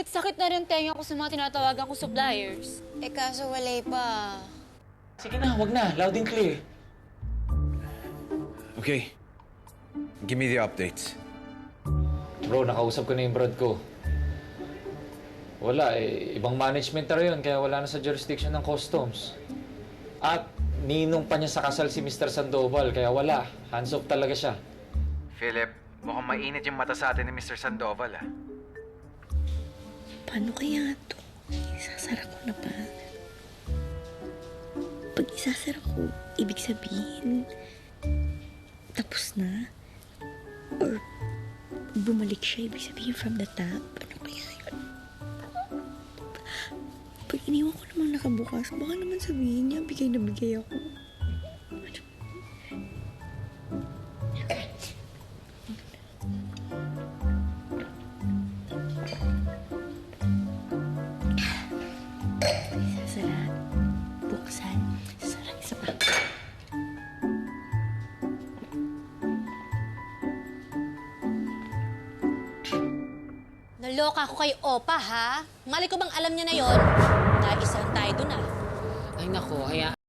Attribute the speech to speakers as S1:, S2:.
S1: sakit-sakit na rin tenga ko sa mga tinatawagan ko suppliers. Eh kaso walay pa.
S2: Sige na, wag na. Loud and clear.
S3: Okay. Give me the updates.
S4: Bro, nakausap ko na yung broad ko. Wala eh. Ibang management na rin yun, kaya wala na sa jurisdiction ng customs. At ninong pa niya sa kasal si Mr. Sandoval, kaya wala. Hands off talaga siya.
S3: Philip, mukhang mainit yung mata sa atin ni Mr. Sandoval, ah.
S5: Paano kaya ito? Isasara ko na ba? Pag isasara ko, ibig sabihin, tapos na? Or bumalik siya, ibig sabihin from the top? Ano kaya yun? Pag iniwan ko namang nakabukas, baka naman sabihin niya, bigay na bigay ako. Sasara. Buksan. Sasara. Isa pa.
S6: Naloka ako kay Opa, ha? Mali ko bang alam niya na yon? Naisahan tayo dun, ah.
S1: Ay nako,